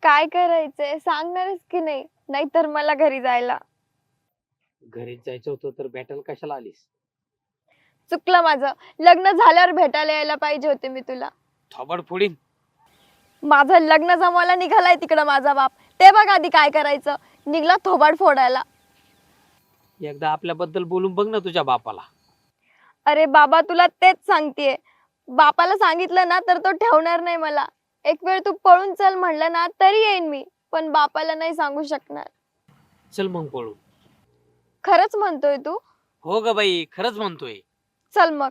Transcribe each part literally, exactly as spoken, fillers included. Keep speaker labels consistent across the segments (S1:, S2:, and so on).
S1: काय करायचंय सांगणारच की नाही, नाहीतर मला घरी जायला.
S2: घरीच जायचं होतं तर भेटायला कशाला आलीस?
S1: चुकलं माझं. लग्न झाल्यावर भेटायला यायला पाहिजे होते मी तुला.
S2: थोबाड फोडीन.
S1: माझं लग्न जमवायला निघालाय तिकडं माझा बाप. ते बघ आधी काय करायचं. निघला थोबाड फोडायला.
S2: एकदा आपल्याबद्दल बोलून बघ ना तुझ्या बापाला.
S1: अरे बाबा तुला तेच सांगतेय. बापाला सांगितलं ना तर तो ठेवणार नाही मला. एक वेळ तू पळून चल म्हणलं ना तरी येईन मी, पण बापाला नाही सांगू शकणार.
S2: चल मग पळू.
S1: खरंच म्हणतोय तू?
S2: हो ग बाई, खरंच म्हणतोय.
S1: चल मग.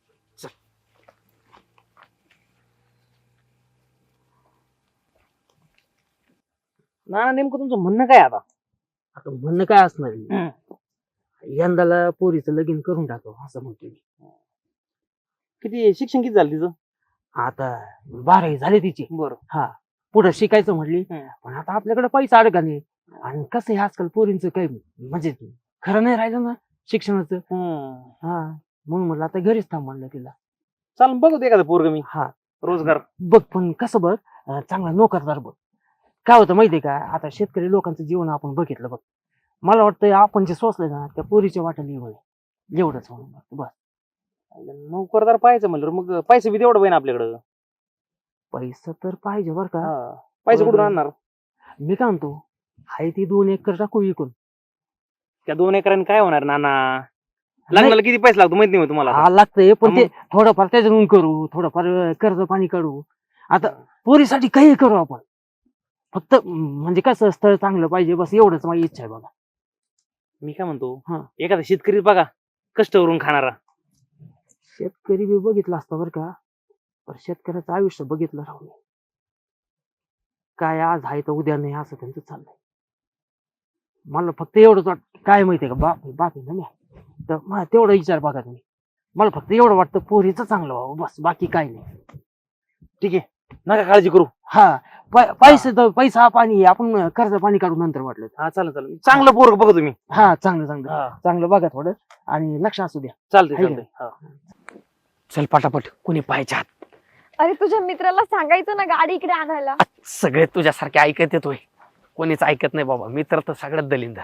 S3: ना नेमकं तुमचं म्हणणं काय आता?
S2: आता म्हणणं काय असणार आहे? यंदाला पोरीचं लगीन करून टाकावं असं म्हणतोय मी.
S3: किती शिक्षण किती झालं तिचं?
S2: आता बारावी झाली तिची.
S3: बरं.
S2: हा, पुढे शिकायचं म्हटली.
S3: हम्म.
S2: पण आता आपल्याकडे पैसा अडका नाही. आणि कसं आहे आजकाल पोरींचं काही म्हणजे खरं नाही राहिलं ना शिक्षणाचं. हा, म्हणून म्हटलं आता घरीच थांब म्हणलं तिला.
S3: चाल बघू एखादं पोरग मी.
S2: हा,
S3: रोजगार
S2: बघ पण कसं बघ, अं, चांगला नोकरदार बघ. काय होतं माहितीये का, आता शेतकरी लोकांचं जीवन आपण बघितलं बघ. मला वाटतं आपण जे सोचलंय ना त्या पोरीच्या वाट्याला येऊ नये एवढंच म्हणून बस.
S3: नोकरदार पाहायचं म्हणलं मग पैसे बी तेवढं पाहिजे आपल्याकडं.
S2: पैसा तर पाहिजे बर का.
S3: पैसे कुठून
S2: बरं.
S3: आणणार?
S2: मी काय म्हणतो, हाय ती दोन एकर टाकू विकून.
S3: त्या दोन एकरांनी काय होणार नाना? लग्नाला किती पैसे लागतो माहित नाही हो तुम्हाला?
S2: हा लागतंय, पण
S3: हा
S2: ते
S3: मग.
S2: थोडंफार त्याच्यातून करू, थोडंफार कर्ज पाणी काढू. आता पोरीसाठी काही करू आपण. फक्त म्हणजे कसं स्थळ चांगलं पाहिजे बस, एवढंच माझी इच्छा आहे बघा.
S3: मी काय म्हणतो,
S2: हा.
S3: एखादा शेतकरी बघा कष्ट करून खाणारा.
S2: शेतकरी बी बघितलं असतं बरं का, पण शेतकऱ्याचं आयुष्य बघितलं राहू नये. काय आज आहे तर उद्या नाही असं त्यांचं चाललंय. मला फक्त एवढंच वाटतं, काय माहितीये का, बाप बाप आहे ना मी, तर मला तेवढा विचार बघा तुम्ही. मला फक्त एवढं वाटतं पोरीचं चांगलं व्हावं बस, बाकी काय नाही.
S3: ठीक आहे, नका काळजी करू.
S2: हा, पै- पैसे तर पैसा पाणी आपण कर्ज पाणी काढू नंतर वाटलं.
S3: हा चालेल चालेल, चांगलं पोरग बघा तुम्ही.
S2: हा, चांगलं चांगलं
S3: हा
S2: चांगलं बघा थोडं, आणि लक्ष असू द्या.
S3: चालतंय
S2: आहे
S3: चालतंय. हा.
S2: चल पटापट, कोणी पाहायच्या आत.
S1: अरे तुझ्या मित्राला सांगायचं ना गाडी इकडे आणायला.
S2: सगळे तुझ्यासारखे ऐकत येतोय, कोणीच ऐकत नाही बाबा. मित्र तर सगळ्यात दलिंदर.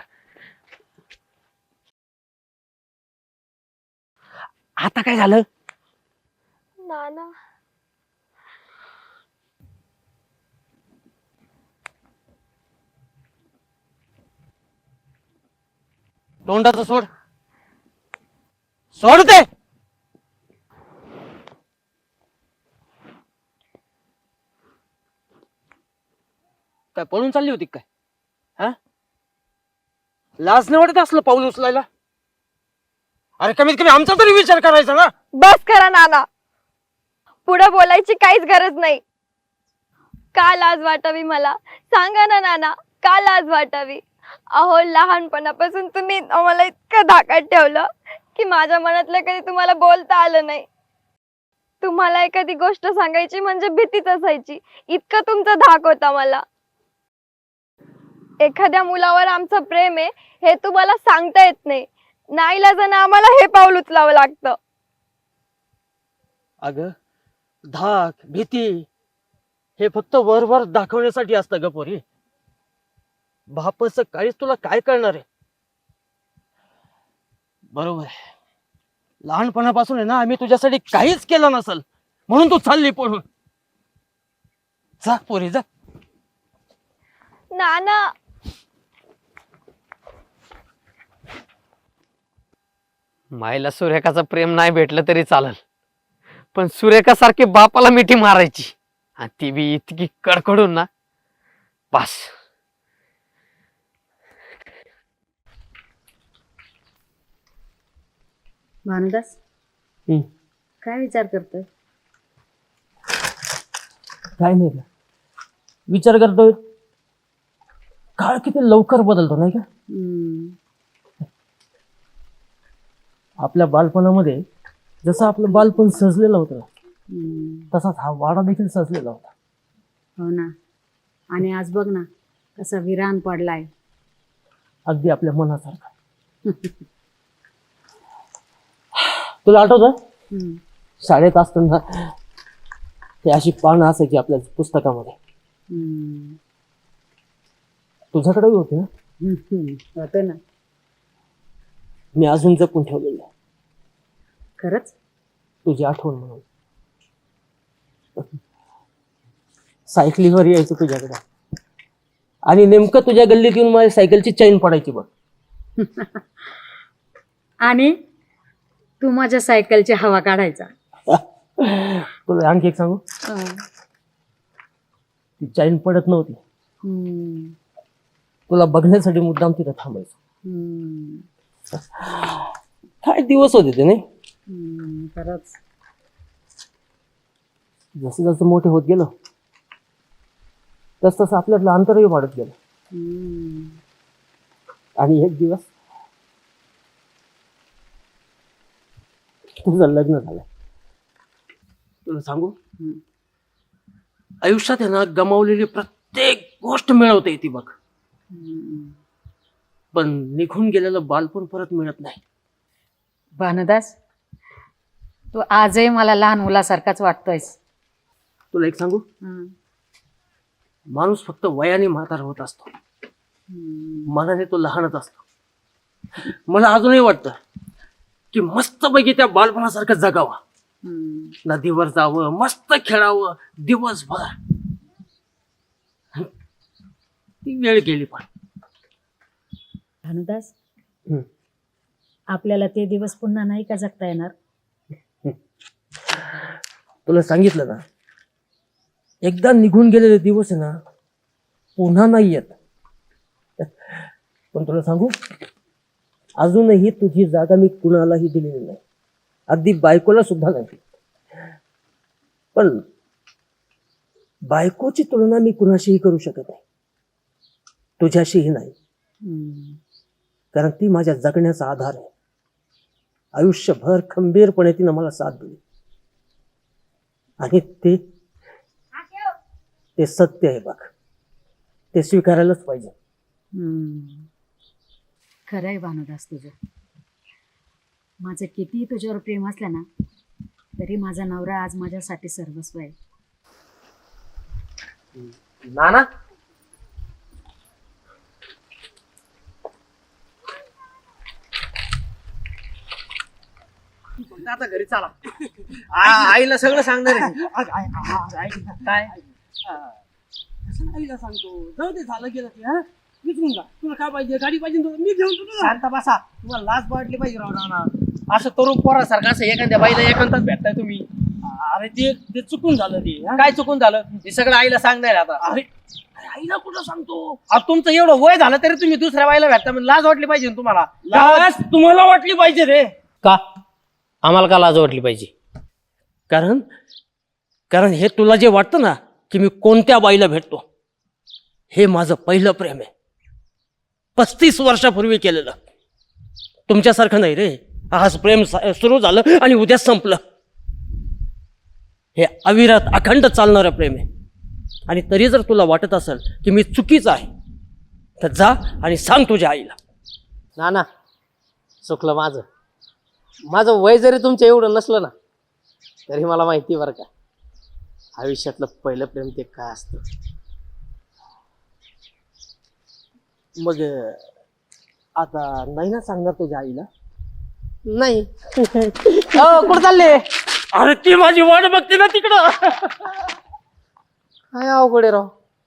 S2: आता काय झालं?
S1: नाना
S2: तोंडाचं सोड, सोड ते. काय पळून चालली होती काय? हा, लाज नाही वाटत असलं पाऊल उचलायला? अरे कमीत कमी आमचा तरी विचार करायचा ना.
S1: बस करा नाना, पुढे बोलायची काहीच गरज नाही. का लाज वाटावी मला? सांगा ना नाना, का लाज वाटावी? अहो लहानपणापासून तुम्ही आम्हाला इतकं धाकात ठेवलं की माझ्या मनातलं कधी तुम्हाला बोलता आलं नाही. तुम्हाला एखादी गोष्ट सांगायची म्हणजे भीतीच असायची, इतकं तुमचा धाक होता मला. एखाद्या मुलावर आमचं प्रेम आहे हे तुम्हाला सांगता येत नाही. नाईलाजानं आम्हाला हे पाऊल उचलावं लागतं.
S2: अगं, धाक भीती हे फक्त वरवर दाखवण्यासाठी असतं ग पोरी. बापाचं काळीच तुला काय कळणार आहे? बरोबर आहे, लहानपणापासून आहे ना आम्ही तुझ्यासाठी काहीच केलं नसल म्हणून तू चालली पळून. जा पोरी जा.
S1: नाना
S4: मायला सुरेखाचं प्रेम नाही भेटलं तरी चालल, पण सुरेखा सारखी बापाला मिठी मारायची, आणि ती बी इतकी कडकडून ना, बस.
S5: भानुदास,
S2: हम्म.
S5: काय विचार करतोय?
S2: काय नाही का, विचार करतोय काळ किती लवकर बदलतो नाही का.
S5: हम्म,
S2: आपल्या बालपणामध्ये जसं आपलं बालपण सजलेलं होतं
S5: हम्म,
S2: तसाच हा वाडा देखील सजलेला होता.
S5: हो ना. आणि आज बघ ना कसा विरान पडलाय.
S2: अगदी आपल्या मनासारखा. तुला आठवतं
S5: हम्म,
S2: शाळेत असताना ते अशी पानं असायची आपल्या पुस्तकामध्ये,
S5: हम्म.
S2: तुझ्याकडेही होती ना?
S5: होतं ना.
S2: मी अजून जपून ठेवलेलं आहे
S5: खरंच?
S2: तुझी आठवण म्हणून. सायकलीवर यायचं तुझ्याकडे आणि नेमकं तुझ्या गल्लीत येऊन माझ्या सायकलची चैन पडायची बघ.
S5: आणि तू माझ्या सायकलची हवा काढायचा.
S2: तुला आणखी एक सांगू, ती चैन पडत नव्हती,
S5: हम्म.
S2: तुला बघण्यासाठी मुद्दाम तिथं थांबायचं.
S5: हम्म.
S2: काय दिवस होते ते नाही.
S5: हम्म. खरंच.
S2: जसं जसं मोठे होत गेलो तस तसं आपल्यातलं अंतरही वाढत गेलं.
S5: हम्म.
S2: आणि एक दिवस तुझं लग्न झालं. तुला सांगू,
S5: हम्म.
S2: आयुष्यात आहे ना गमावलेली प्रत्येक गोष्ट मिळवता येते बघ,
S5: हम्म.
S2: पण निघून गेलेलं बालपण परत मिळत नाही.
S5: भानुदास, तू आजही मला लहान मुलासारखाच वाटतोयस.
S2: तुला एक सांगू,
S5: हम्म.
S2: माणूस फक्त वयाने म्हातारा होत असतो,
S5: हम्म.
S2: मनाने तो लहानच असतो. मला अजूनही वाटतं की मस्तपैकी त्या बालपणासारखं जगावं,
S5: हम्म.
S2: नदीवर जावं, मस्त खेळावं दिवसभर. ती वेळ गेली पण.
S5: भानुदास,
S2: हम्म.
S5: आपल्याला ते दिवस पुन्हा नाही का जगता येणार?
S2: तुला सांगितलं ना, एकदा निघून गेलेले दिवस आहे ना पुन्हा नाही येत. पण तुला सांगू, अजूनही तुझी जागा मी कुणालाही दिलेली नाही, अगदी बायकोला सुद्धा नाही. पण बायकोची तुलना मी कुणाशीही करू शकत नाही, तुझ्याशीही नाही.
S5: हम्म.
S2: कारण ती माझ्या जगण्याचा आधार आहे. आयुष्यभर खंबीरपणे तिनं मला साथ दिली आणि ते ते सत्य आहे बघ, ते स्वीकारायलाच पाहिजे.
S5: हम्म. खरं आहे भानुदास तुझं. माझं कितीही तुझ्यावर प्रेम असलं ना तरी माझा नवरा आज माझ्यासाठी सर्वस्व आहे.
S2: नाना,
S3: आता घरी चला. आ- आईला सगळं सांगणार आहे.
S2: काय आईला सांगतो, जाऊ दे, झालं गेलं ते. हा, विचारून का तुला काय पाहिजे, गाडी पाहिजे तुला, मी घेऊन तुला.
S3: शांत बसा, तुम्हाला लाज वाटली पाहिजे राव नाना. असं तरुण पोरासारखं असं एखाद्या बाईला एकांतात भेटताय तुम्ही.
S2: अरे ते ते चुकून झालं ते. हा?
S3: काय चुकून झालं हे सगळं आईला सांगणार आहे आता.
S2: अरे अरे, आईला कुठं सांगतो.
S3: अहो, तुमचं एवढं वय झालं तरी तुम्ही दुसऱ्या बाईला भेटता म्हणजे लाज वाटली पाहिजे ना तुम्हाला.
S2: लाज तुम्हाला वाटली पाहिजे रे.
S4: का आम्हाला का लाज वाटली पाहिजे?
S2: कारण कारण हे तुला जे वाटतं ना की मी कोणत्या बाईला भेटतो, हे माझं पहिलं प्रेम आहे, पस्तीस वर्षापूर्वी केलेलं. तुमच्यासारखं नाही रे, आज प्रेम सुरू झालं आणि उद्या संपलं. हे अविरत अखंड चालणारं प्रेम आहे. आणि तरी जर तुला वाटत असेल की मी चुकीचं आहे तर जा आणि सांग तुझ्या आईला.
S4: ना ना, चुकलं माझं. माझं वय जरी तुमचं एवढं नसलं ना तरी मला माहिती बरं का, आयुष्यातलं पहिलं प्रेम ते काय असतं.
S2: मग आता नाही ना सांगणार तुझ्या आईला?
S4: नाही. अहो, कुठं चालले?
S2: अरे ती माझी वाट बघते ना तिकडं.
S4: काय अवघड आहे राव.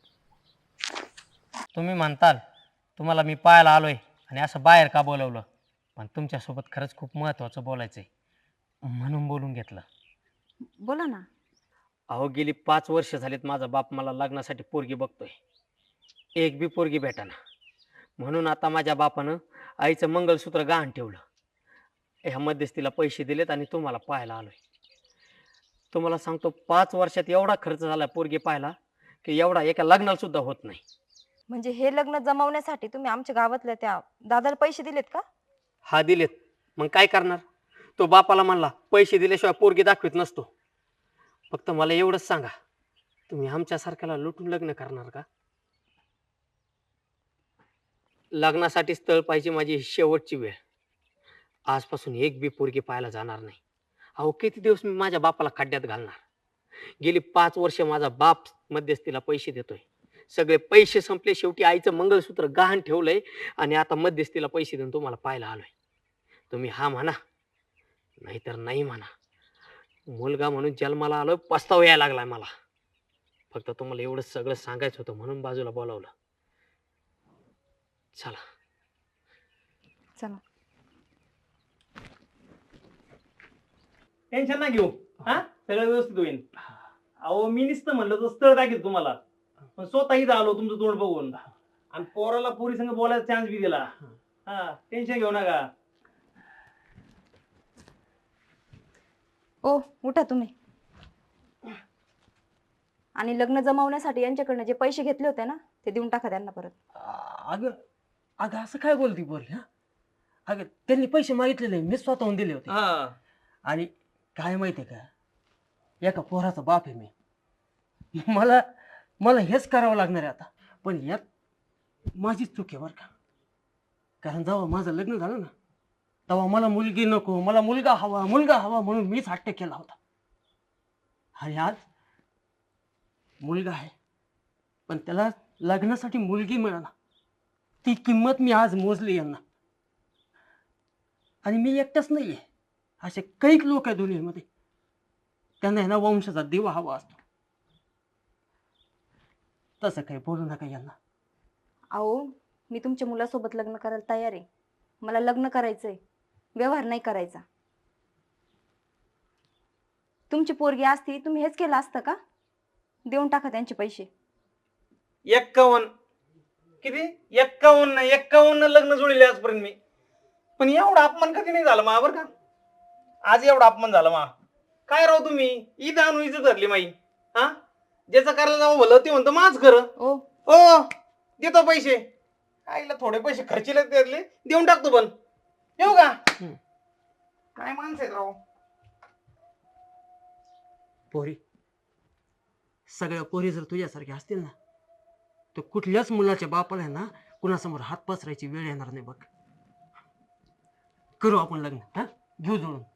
S4: तुम्ही म्हणताल तुम्हाला मी पाहायला आलोय आणि असं बाहेर का बोलवलं, पण तुमच्यासोबत खरंच खूप महत्वाचं बोलायचंय म्हणून बोलून घेतलं.
S1: बोला ना.
S4: अहो, गेली पाच वर्ष झालीत माझा बाप मला लग्नासाठी पोरगी बघतोय, एक बी पोरगी भेटाना. म्हणून आता माझ्या बापानं आईचं मंगळसूत्र गहाण ठेवलं, ह्या मध्यस्थीला पैसे दिलेत आणि तुम्हाला पाहायला आलोय. तुम्हाला सांगतो, पाच वर्षात एवढा खर्च झाला पोरगी पाहायला की एवढा एका लग्नाला सुद्धा होत नाही.
S1: म्हणजे हे लग्न जमवण्यासाठी तुम्ही आमच्या गावातल्या त्या दादाला पैसे दिलेत का?
S4: हा, दिलेत. मग काय करणार, तो बापाला म्हणला पैसे दिल्याशिवाय पोरगी दाखवित नसतो. फक्त मला एवढंच सांगा, तुम्ही आमच्यासारख्याला लुटून लग्न करणार का? लग्नासाठी स्थळ पाहिजे माझी शेवटची वेळ. आजपासून एक बी पोरगी पाहायला जाणार नाही. अहो, किती दिवस मी माझ्या बापाला खड्ड्यात घालणार. गेली पाच वर्ष माझा बाप मध्यस्थीला पैसे देतोय, सगळे पैसे संपले, शेवटी आईचं मंगळसूत्र गहाण ठेवलंय आणि आता मध्यस्थीला पैसे देऊन तुम्हाला पाहायला आलोय. तुम्ही हा म्हणा नाहीतर नाही म्हणा. मुलगा म्हणून जन्माला आलोय, पस्तावा यायला लागलाय मला. फक्त तुम्हाला एवढं सगळं सांगायचं होतं म्हणून बाजूला बोलावलं. चला.
S1: चला.
S3: टेन्शन ना घेऊ, हा सगळं व्यवस्थित होईल. अहो मी नुसतं म्हणलं तर स्थळ दाखवत तुम्हाला, पण स्वतःही आलो तुमचं तोंड बघून आणि पोराला पोरी संग बोलायचा चान्स बी दिला. हा टेन्शन घेऊ नका.
S6: ओ उठा तुम्ही. आणि लग्न जमवण्यासाठी यांच्याकडनं जे पैसे घेतले होते ना ते देऊन टाका त्यांना परत.
S2: अगं अगं असं काय बोलती बोल हा. अगं त्यांनी पैसे मागितलेले मी स्वतःहून दिले होते.
S3: हा
S2: आणि काय माहितीये का, एका पोराचा बाप आहे मी. मला मला हेच करावं लागणार आहे आता. पण यात माझीच चूक आहे बरं का. कारण जेव्हा माझं लग्न झालं ना तेव्हा मला मुलगी नको, मला मुलगा हवा मुलगा हवा म्हणून मीच हट्ट केला होता. आणि आज मुलगा आहे पण त्याला लग्नासाठी मुलगी मिळाला. ती किंमत मी आज मोजली यांना. आणि मी एकटाच नाहीये, असे कैक लोक आहे दुनियेमध्ये, त्यांना आहे ना वंशाचा दिवा हवा असतो. तसं काही बोलू नका यांना.
S6: अहो मी तुमच्या मुलासोबत लग्न करायला तयार आहे. मला लग्न करायचंय, व्यवहार नाही करायचा. तुमची पोरगी असती तुम्ही हेच केलं असतं का? देऊन टाका त्यांचे पैसे.
S3: एक्कावन्न किती एक्कावन्न एक्कावन्न लग्न जुळले आजपर्यंत मी. पण एवढा अपमान कधी नाही झाला मा बरं का. आज एवढा अपमान झाला मा. काय राव तुम्ही ईद आणून इज्जत धरली माई. हा ज्याचं करायला जावं भलं ते म्हणतं माझ खरं.
S6: ओ
S3: ओ देतो पैसे. आईला थोडे पैसे खर्चीला त्यातले देऊन टाकतो. पण येऊ का. काय माणसं आहेत राव.
S2: पोरी सगळ्या पोरी जर तुझ्यासारख्या असतील ना तर कुठल्याच मुलाच्या बापाला आहे ना कुणासमोर हात पसरायची वेळ येणार नाही बघ. करू आपण लग्न, हा घेऊ जोडून.